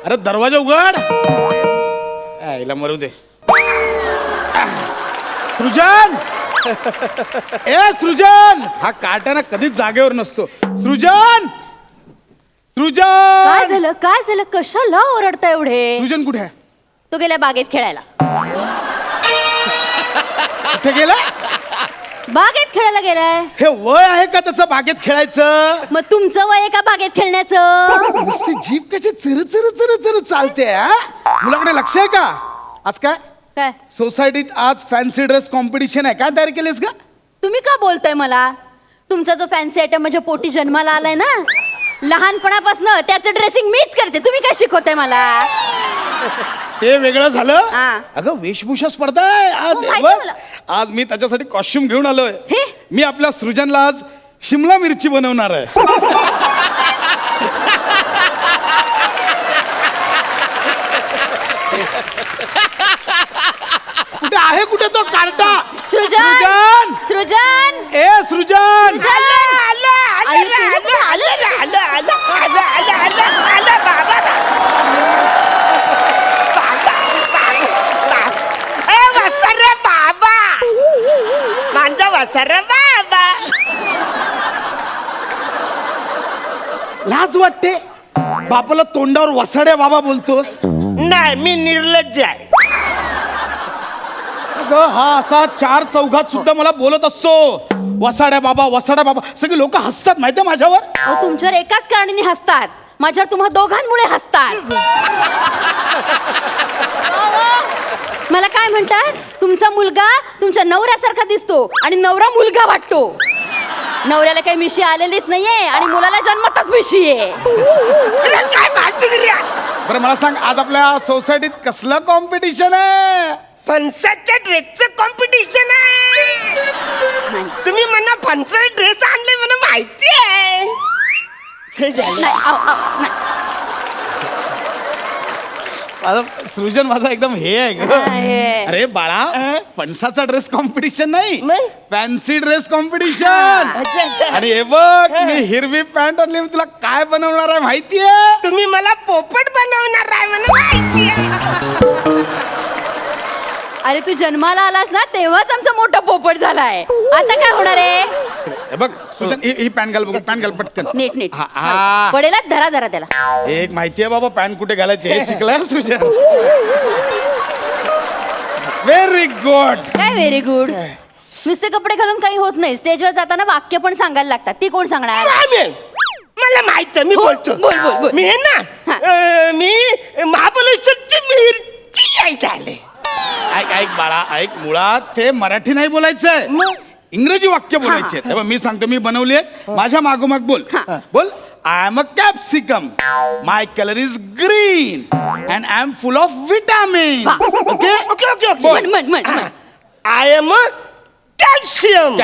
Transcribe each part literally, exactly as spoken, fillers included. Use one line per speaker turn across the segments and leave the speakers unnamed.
अरे दरवाजा उघड. आईला मरू दे. सृजन ए सृजन, हा काट्याना कधीच जागेवर नसतो. सृजन सृजन
काय झालं काय झालं कशाला ओरडता एवढे?
सृजन कुठे आहे?
तो गेला बागेत खेळायला.
कुठे गेला?
बागेत खेळायला गेलाय.
हे वय आहे का त्याचं बागेत खेळायचं?
मग तुमचं वय आहे का बागेत खेळण्याचं?
नुसती जीभ कशी चर चर चर चर चालते. हा मुलाकडे लक्ष आहे का? आज काय
काय
सोसायटीत आज फॅन्सी ड्रेस कॉम्पिटिशन आहे. काय तयारी केलीस का?
तुम्ही का बोलताय मला? तुमचा जो फॅन्सी आयटम माझ्या पोटी जन्माला आलाय ना, लहानपणापासून त्याचं ड्रेसिंग मीच करते. तुम्ही काय शिकवताय मला?
ते वेगळं झालं.
हा.
अगं वेशभूषा स्पर्धा आहे आज.
हो, माहिती
बघ,
मला.
आज मी त्याच्यासाठी कॉस्ट्युम घेऊन आलोय.
हे?
मी आपल्या सृजनला आज शिमला मिरची बनवणार आहे. कुठे आहे कुठे तो कार्टा?
सृजन सृजन
ए सृजन लाज वाटते बापाला तोंडावर वसाड्या बाबा बोलतोस.
नाही मी निर्लज्ज आहे.
अगं, हा असा चार चौघात सुद्धा मला बोलत असतो वसाड्या बाबा वसाड्या बाबा. सगळे लोक हसतात माहितीये माझ्यावर.
अहो, तुमच्यावर एकाच कारणाने हसतात. माझ्यावर तुम्हा दोघांमुळे हसतात. मला काय म्हणतात? तुमचा मुलगा तुमच्या नवऱ्यासारखा दिसतो आणि नवरा मुलगा वाटतो. नवऱ्याला काही मिशी आलेलीच नाहीये आणि मुलाला जन्मतच मिशी आहे.
काय भाषा?
बरं मला सांग, आज आपल्या सोसायटीत कसलं कॉम्पिटिशन आहे?
फणसाच्या ड्रेसचं कॉम्पिटिशन आहे. तुम्ही म्हणा फणसाचा ड्रेस आणले मला माहिती आहे. हे झालं.
नाही, अहो, अहो, नाही.
माझा सृजन माझा एकदम हे आहे ग.
आहे.
अरे बाळा, फणसाचा ड्रेस कॉम्पिटिशन नाही,
मग?
Fancy dress competition.
अच्छा, अच्छा.
आणि हे बघ, मी हिरवी पॅन्ट आणली. मी तुला काय बनवणार आहे माहितीये?
तुम्ही मला पोपट बनवणार आहे मला माहिती आहे.
अरे तू जन्माला आलास ना तेव्हाच आमचा मोठा पोपट झालाय. आता काय होणार आहे?
हे बघ सृजन, ही ही पॅन्ट घाल बघ, पॅन्ट घाल पटकन.
नीट नीट
हा, हा.
पडेलाच धरा धरा त्याला.
एक माहितीये बाबा पॅन्ट कुठे घालायचे हे शिकलाय सृजन. Very good.
काय व्हेरी गुड. नुसते कपडे घालून काही होत नाही. स्टेजवर जाताना वाक्य पण सांगायला लागतात. ती कोण सांगणार?
रामेन, मला माहित आहे मी बोलतो.
बोल, बोल, बोल.
मी आहे ना
हा.
अं, मी महाबळेश्वरची मिरची यायची आले.
ऐक ऐक बाळा ऐक, मुळात ते मराठी नाही बोलायचंय, इंग्रजी वाक्य बोलायचे. तेव्हा मी सांगतो, मी बनवली आहेत. माझ्या मागोमाग बोल. बोल. I am a capsicum, my colour is green and I am full of vitamin. Okay
okay okay okay
म्हण म्हण म्हण म्हण.
I am calcium.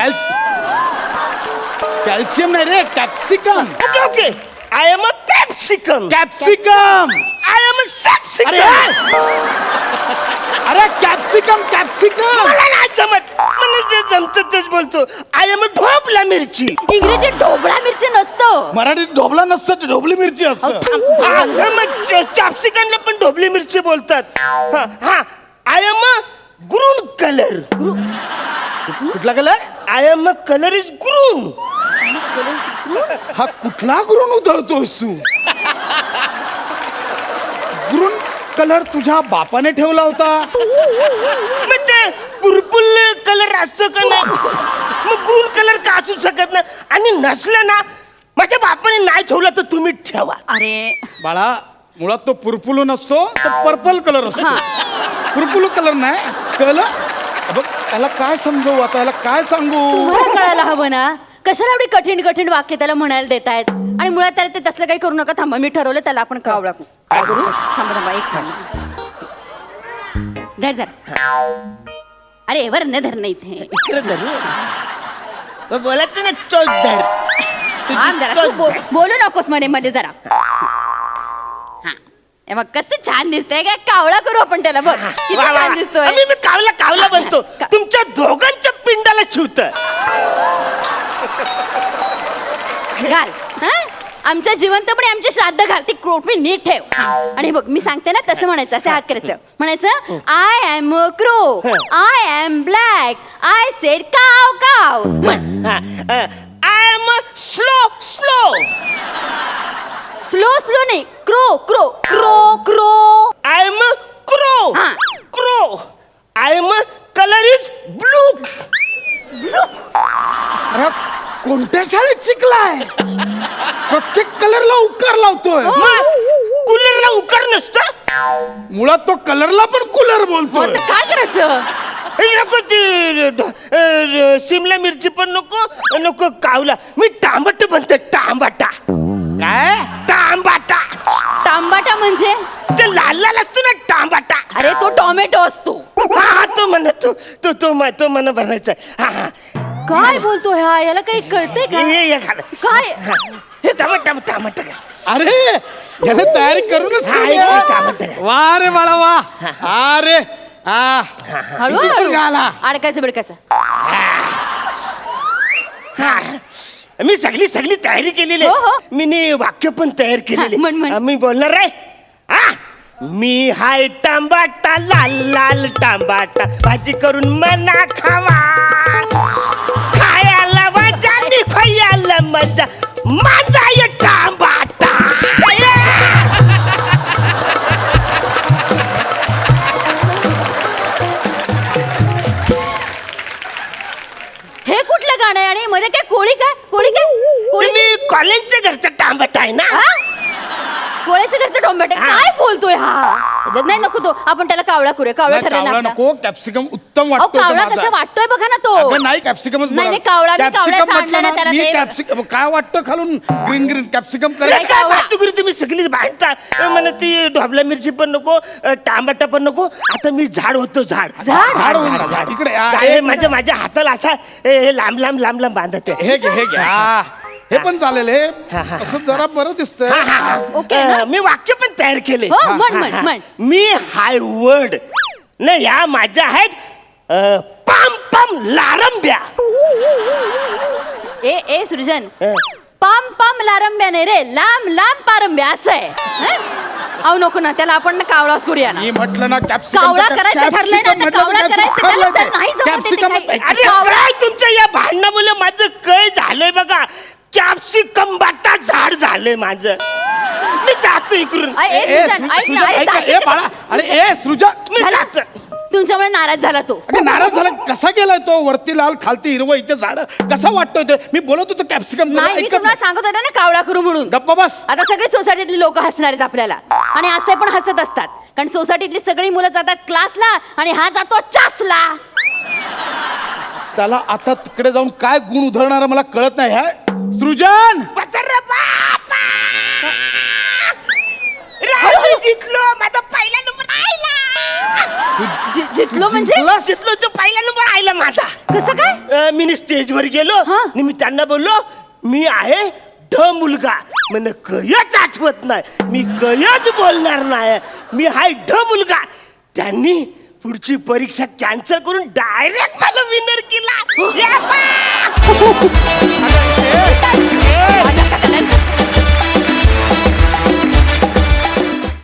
कॅल्शियम नाही रे, capsicum.
Okay okay I am capsicum.
Capsicum.
I am
अरे
capsicum.
अरे capsicum capsicum.
मला नाही जमत. मला जे जमत तेच बोलतो. आय एम ढोबला मिरची.
इंग्रजीत ढोबळा मिरची नसतं.
मराठीत ढोबला नसतं, ते ढोबली मिरची
अहो,
असतं.
थांब, थांब.
कॅप्सिकमला पण ढोबली मिरची बोलतात. हा हा आय एम ग्रून कलर.
कुठला colour?
I am colour is green.
हा कुठला गुरून उधळतोस तू? गुरून कलर तुझ्या बापाने ठेवला होता.
मग ते पर्पल कलर असतो का नाही? मग ग्रून कलर का असू शकत नाही? आणि नसलं ना, माझ्या बापाने नाही ठेवला तर तुम्ही ठेवा.
अरे
बाळा, मुळात तो पुरपुलो नसतो, तर पर्पल कलर असतो. पुरपुलो कलर नाही, कलर. बघ त्याला काय समजवू आता, याला काय सांगू?
तुम्हाला कळायला हवं ना. कशाला एवढी कठीण कठीण वाक्य त्याला म्हणायला देतायत? आणि मुळात त्याला ते तसलं काही करू नका. थांबा, मी ठरवलं त्याला आपण कावळा करू. काय करू? थांबा थांबा एक थांबा. धर जरा. अरे वर न धर नाही इथे.
इकडे धरू. मग बोलत ना चोच धर.
थांब जरा, तू बो- बोलू नकोस मध्ये मध्ये जरा. हा हे बघ कसं छान दिसतंय. काय कावळा करू आपण त्याला. बघ किती
वा, वा,
छान
वा.
दिसतोय.
आम्ही मी कावला कावला बनतो.
का-
तुमच्या दोघांच्या पिंडाला शिवत.
घाल. हा आमच्या जिवंतपणे आमचे श्राद्ध घाल ती क्रोटमी नीट ठेव आणि बघ मी सांगते ना तसं म्हणायचं असं हात करायचं म्हणायचं I am crow I am black I said caw caw म्हण
I am slow slow
slow slow नाही crow crow crow crow
I am crow
हा.
Crow I am colour is blue
अरे कोणत्या शाळेत शिकलाय प्रत्येक कलरला उकार लावतोय
कूलरला उकार नसतं
मुळात तो कलरला पण कूलर
हो
बोलतोय
तर काय करायचं
हे नको ती अ, शिमला मिरची पण नको नको कावला मी टांबट बनते टांबाटा
काय
टांबाटा
तांबाटा म्हणजे
ते लाल लाल असतो ना टांबाटा
अरे तो टोमॅटो असतो
हा हा तो म्हणा तो तो तो म- तो म्हणा बनायचा हा हा
काय बोलतो ह्या याला काही कळतंय का
हे हे घाल
काय
हे टमाटा टमाटा घाल.
अरे याने तयारी करूनच
हा,
ठेवली
हे
आहे.
टमाटा घाल.
वा रे बाळा वा अरे हा
हळू
किती पण घाला.
हळू अडकायचं बिडकायचं
हा. मी सगळी सगळी तयारी केलेली
हो, हो.
आहे मी नी वाक्य पण तयार केलेली
हा, म्हण, म्हण.
हा, मी बोलणार आहे हा मी हाय टांबाटा लाल लाल टांबाटा भाजी करून मना खावा खायला मजा आणि खायला मजा माझा ये टांबाटा
हे कुठलं गाणं आहे आणि मध्ये काय कोळी काय कोळी काय कोळी
तुम्ही कॉलेजच्या घरचा टांबाटा आहे ना
हा? कोळ्याच्या घरचं टोमॅटो
हा.
काय बोलतोय हा
बघ.
नाही नको तो आपण त्याला कावळा करूया कावळा
नाही,
ठरला
कावळा
ना
नको कॅप्सिकम उत्तम
अहो
वाटतो
कावळा कसा वाटतोय बघा ना तो
अगं नाही कॅप्सिकमच
नाही,
बरं.
नाही, कावळा, मी
कॅप्सिकम
कावळ्याचं
म्हटलं
आणलं ना
ना,
त्याला
मी
ते.
कॅप्सिकम काय वाटतं खालून ग्रीन ग्रीन कॅप्सिकम
अरे
करायचं
काय
कावळा.
वाटतो तुम्ही सगळीच भांडता मला ती ढोबला मिरची पण नको अ, टांबाटा पण नको आता मी झाड होतो झाड
झाड?
झाड होईल ना, झाड. इकडे आ,
झाड
हे
हे माझ्या माझ्या हाताला असा हे हे लांब लांब लांब लांब बांधत आहे
हे घे हे घे हा. हे पण चालेल हे
हा, हा.
असं जरा बरं दिसतंय
हा, हा, हा.
ओके ना?
अ, मी वाक्य पण तयार केले
हो,
हा,
म्हण,
हा,
म्हण,
हा.
म्हण.
मी हाय वर्ड नाही या माझ्या आहेत अ, पाम पाम लारंब्या
ए ए सृजन
अ.
पाम पाम लारंब्या नाही रे लांब लांब पारंब्या असं आहे हं? अहो नको ना त्याला आपण ना कावळाच करूया ना
मी म्हटलं ना कॅप्सिकम
कावळा करायचं ठरलंय ना, तर कावळा करायचं, त्याला तर नाही जमत आहे ते
कॅप्सिकम
काही.
अरे
कावळा-
काय तुमच्या या भांडणामुळे माझं काय झालंय बघा कॅप्सिकम बाटा झाड झालंय माझं मी जातो इकडून
अरे, ए, सृजन, ऐक ना, अरे, जाशील
ए
का?
बाळा अरे ए सृजन
मी
झालं?
जातो
तुमच्यामुळे नाराज झाला तो
अरे नाराज झाला कसा गेलाय तो वरती लाल खालती हिरवं इथे झाड कसा वाटतोय ते मी बोलत होतो कॅप्सिकम
नाही मी तुम्हाला सांगत होते ना कावळा करू म्हणून
गप्पा बस
आता सगळे सोसायटीतली लोक हसणार आहेत आपल्याला आणि असे पण हसत असतात कारण सोसायटीतली सगळी मुलं जातात क्लासला आणि हा जातो चासला
त्याला आता तिकडे जाऊन काय गुण उधळणार मला कळत नाही ह्या सृजन
बचर बापा राहुल जितलो माझा पहिला नंबर आयला
जि- जितलो म्हणजे
जिंकलास?
जितलो तो पहिला नंबर आयला माझा
कसं काय
अ, मी स्टेजवर गेलो
हा.
आणि मी त्यांना बोललो मी आहे ढ मुलगा મને कयच आठवत नाही मी कयच बोलणार नाही मी हाय ढ मुलगा त्यांनी पुढची परीक्षा कॅन्सल करून डायरेक्ट मला विनर केला या बा!
आता